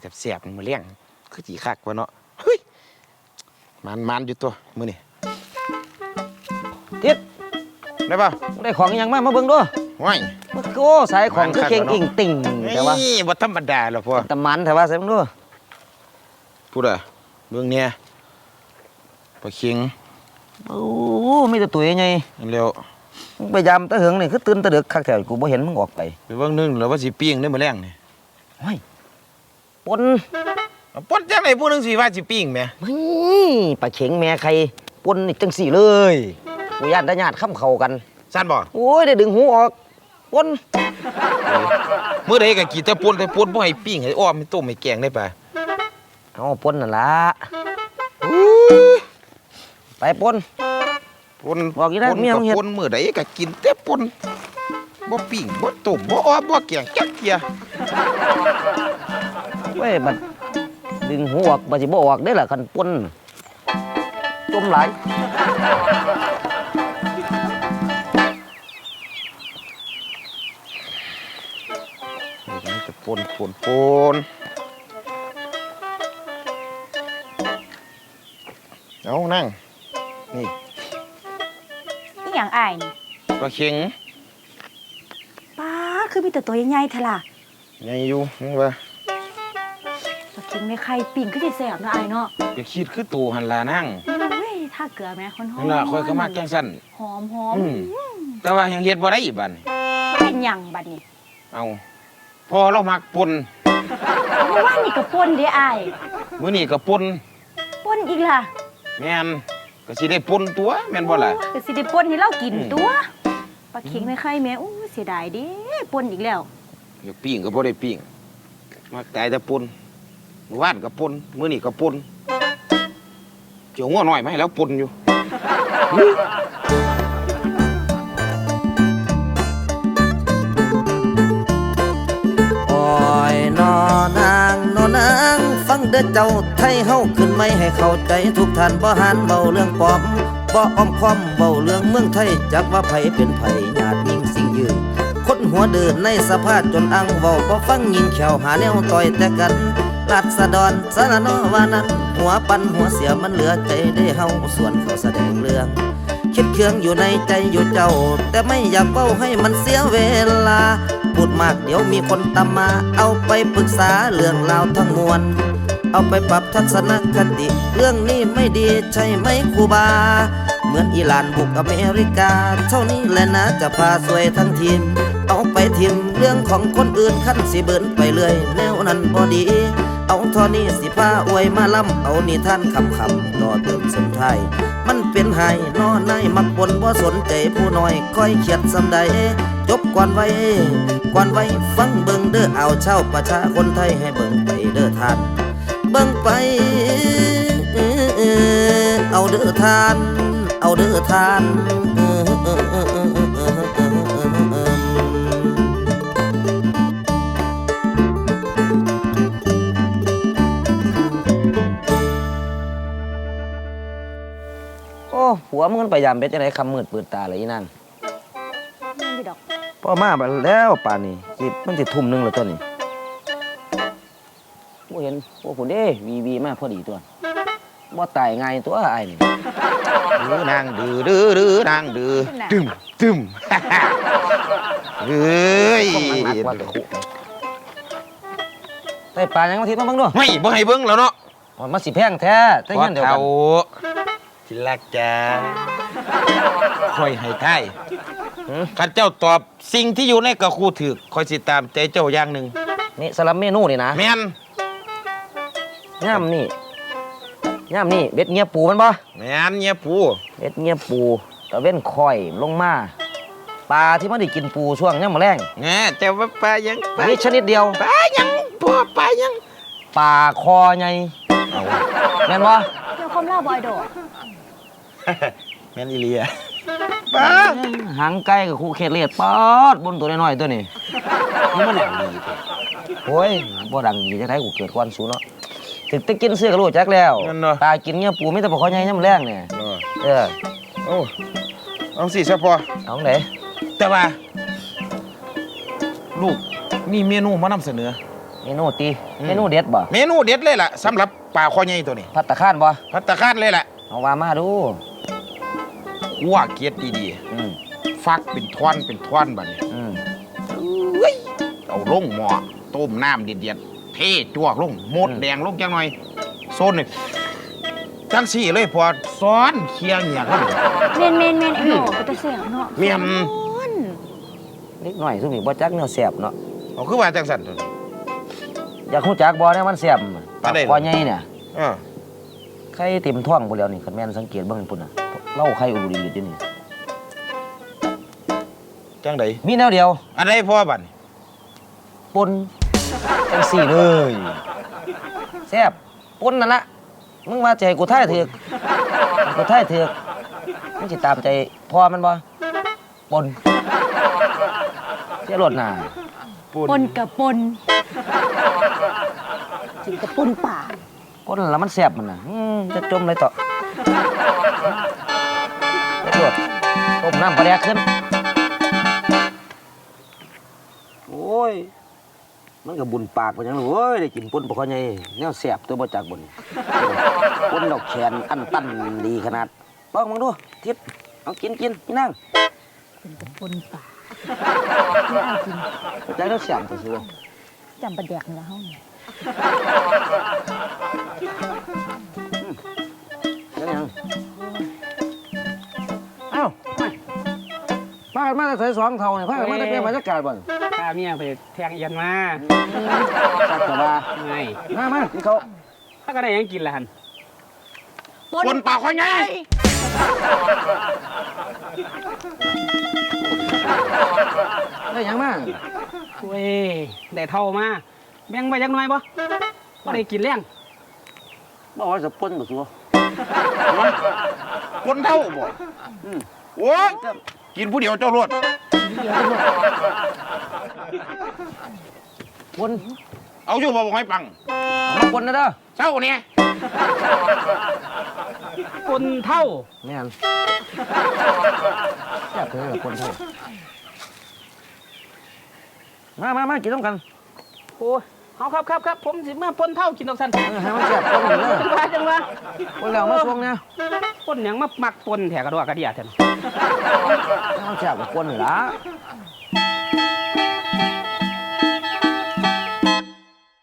แสบๆมือเลี้ยงคือจีคักวะเนาะเฮ้ยมันอยู่ตัวมือนี่ทิศได้ป่ะได้ของยังมาเบิ่งด้วยว้ายโอ้สายของคือเก่งอิ่งติ่งแต่ว่าบ่ธรรมดาหรอกพ่อแต่มันแต่ว่าใส่เบิ่งด้วยพูดอะเบิ่งเนี่ยปลาเค็งโอ้มีแต่ตัวใหญ่เร็วไปยามตะเหิงนี่คือตื่นตะดึกคักแท้กูบ่เห็นมึงออกไปเบิ่งนึงแล้วว่าสิปิ้งได้มื้อแรงนี่โอ้ยปนจังได๋ผู้นึงสิว่าสิปิ้งแหมปลาเข็งแม่ใครปนนี่จังสี่เลยกูญาติญาติค้ำเข้ากันซั่นบ่โอ้ยได้ดึงหูออกปนมื้อใดก็กินแต่ปนบ่ให้ปิ้งให้อ้อมให้ต้มให้แกงได้ป่ะเอาปนนั่นล่ะไปปนบอกอีได้เมียมึงเฮ็ดปนมื้อใดก็กินแต่ปนบ่ปิ้งบ่ต้มบ่อ้อมบ่แกงจักเที่ยเว้ยบัดดึงหูออกบ่สิบ่ออกได้ล่ะคันปนจมหลายนี่จะปนเอานั่งนี่นี่อย่างอ้ายนี่ปลาเค็งป้าคือมีแต่ตัวใหญ่ๆเท่าล่ะใหญ่อยู่นี่ว่าปลาเค็งในไข่ปิ่งคือสิแซ่บนะอ้ายเนาะอย่าคิดคือตู่หั่นล่ะนั่งเว้ยถ้าเกลือแม่คนหอมนั่นล่ะค่อยก็มาแกงซั่นหอมแต่ว่ายังเฮ็ดบ่ได้อีกบัดนี้เป็นหยังบัดนี้เอาพอเรามักปนเพราะว่านี่ก็ป่นเด้อ้ายมื้อนี้ก็ปนอีกล่ะแม่นก็สิได้ปนตัวแม่นบ่ล่ะก็สิได้ป่นให้เรากินตัวปลาเค็งในไข่แม่อู้เสียดายเด้ป่นอีกแล้วอยากปิ้งก็บ่ได้ปิ้งมักตายแต่ปนมื้อวานก็ปนมื้อนี้ก็ปนเกี่ยวงัวน้อยมาให้แล้วปนอยู่โอ้ยนอนางฟังเด้อเจ้าไทยเฮาขึ้นไม่ให้เข้าใจทุกท่านบ่หันเบาเรื่องปลอมบ่อ้อมค้อมเบาเรื่องเมืองไทยจักว่าไผเป็นไผญาติยิ่งสิ่งยืนคนหัวเดินในสภาพจนอังเว้าบ่ฟังยิงแขวหาแนวต่อยแต่กันราษฎรสารนอว่านั้นหัวปันหัวเสียมันเหลือใจได้เฮาส่วนเขาแสดงเรื่องคิดเคืองอยู่ในใจอยู่เจ้าแต่ไม่อยากเว้าให้มันเสียเวลาพูดมากเดี๋ยวมีคนตามมาเอาไปปรึกษาเรื่องราวทั้งมวลเอาไปปรับทัศนคติเรื่องนี้ไม่ดีใช่ไหมครูบาเหมือนอิหร่านบุกอเมริกาเท่านี้แหละนะจะพาสวยทั้งทีมเอาไปทิมเรื่องของคนอื่นขั้นสิเบิ่นไปเลยแนวนั้นบ่ดีเอาทอนี้สิพาอวยมาล้ำเอานิทานคำต่อเติมสมไทยมันเป็นไห้นอในมักบนบ่สนใจผู้น้อยค่อยเขียดสำใดจบก่อนไว้ฟังเบิ่งเด้อเอาเช่าประชาคนไทยให้เบิ่งไปเด้อท่านเบิ่งไปเอาเด้อทานเอาเด้อทานโอ้หัวมึงไปยามเป็ดจังได๋คำมืดปืดตาเลยอีนั่งนี่ดอกพ่อมาบัดแล้วป่านนี้สิมันสิทุ่มนึงแล้วตัวนี้บ่เห็นโอ้พุ่นเด้วีมาพอดีตัวบ่ตายง่ายตัวอ้ายนี่นางดื้อนางดื้อตึมเฮ้ยได้ปลายังมาทิศมาเบิ่งด้วยไม่บ่ให้เบิ่งแล้วเนาะมันสิแพงแท้แต่เงินเดียวกันที่รักจ้าค่อยให้ทายข้าเจ้าตอบสิ่งที่อยู่ในกระคูถือคอยสิตามใจเจ้าอย่างหนึ่งนี่สลับเมนูนี่นะแม่นย่ำนี่เบ็ดเงียปูมันบ่แม่นเงียปูเบ็ดเงียปูตะเว้นคอยลงมาปลาที่มันได้กินปูช่วงย่ำแรงแง่แต่ว่าปลายังนี่ชนิดเดียวปลายังพ่อปลายังปลาคอไงแม่นบ่เดี๋ยวคมเล่าบอยโดแม่นอีเลียปลาหางไก่กับคู่เขตเลียดปอดบนตัวน้อยๆตัวนี้นี่มันดังดีโอ้ยบ่ดังดีจะได้กูเกิดควันสูเนาะถึงจะกินเสื้อก็รู้จักแล้วปลากินเงี้ยปูไม่แต่ปลาคอใหญ่ย่ำแรงเนี่ยโอ้เอาสิซะพอเอาไหนแต่ว่าลูกมีเมนูมานำเสนอเมนูตีเมนูเด็ดบ่เมนูเด็ดเลยล่ะสำหรับปลาคอใหญ่ตัวนี้พัตตาคารบ่ภัตตาคารเลยล่ะเอาว่ามาดูคั่วเกล็ดดีอืมๆฟักเป็นท่อนบัดนี้อืมเอ้ยเอาลงหม้อต้มน้ำเดือดๆเทจวกลงหมดแดงลงจังหน่อยโซนนี่จังสี่เลยพอซ้อนเคียงอย่างนั้นเมนไอ้หนอก็จะเสียงเนาะเมียมคนเล็กน้อยซุมนี่บ่จักแนวแซ่บเนาะเอาคือว่าจังสันตัวนี้อยากฮู้จักบ่เนี่ยมันแซ่บปลาได้เหรอคอใหญ่เนี่ยเออไข่เต็มท้องพุ่นแล้วนี่คันแม่นสังเกตเบิ่งพุ่นน่ะเล่าไข่อุดๆอยู่นี่จังไดมีแนวเดียวอันใดพ่อบัดนี้ปนจังสี่เลยแซ่บปนนั่นละมึงว่าใจกูท่ายเถือกกูท่ายเถือกมึงสิตามใจพ่อมันบ่ปนเสียรถหน้าปนกับปนกินกับปนป่าปนแล้วมันแซ่บมันน่ะจะจมเลยต่อเสียรถต้มน้ำปลาแดกขึ้นโอ้ยมันก็บุญปากไปจังเลยโอ้ยได้กินปนปลาคอใหญ่แนวแซ่บตัวบ่จากบุญปนดอกแขนอันตันดีขนาดลองมึงดูทิศเอากินพี่นั่งเป็นกับปนป่าใจเราเสียงตัวซื้อจำประแดกนี่ละเฮานี่แล้วยังเอ้าพากันมาใส่สองเท่าเนี่ยพากันมาได้เป็นบรรยากาศบ่ข้าเมียไปแทงเอียนมาจักรวาไงมาที่เขาถ้าก็ได้หยังกินละหันคนปลาคอใหญ่ได้ยังมาเว้ยได้เท่ามาแบ่งไปจักหน่อยบ่บ่ได้กินแรงบอกว่าจะปนบ่ซัวคนเท่าบ่โอ้ยกินผู้เดียวเจ้ารวดปนเอาอยู่บ่บอกให้ปังเอามาปนนะเด้อเจ้าเนี่ยคนเท่าแม่นแซ่บเลยปนเท่ามากินต้องกันโอ้ยเอาครับผมสิมาปนเท่ากินดอกสันให้มันแซ่บปนเลยจังว่าปนแล้วมาช่วงเนี่ยปนหยังมามักปนแถกระดอกกระเดียแท้ให้มันแซ่บกับปนนี่ล่ะ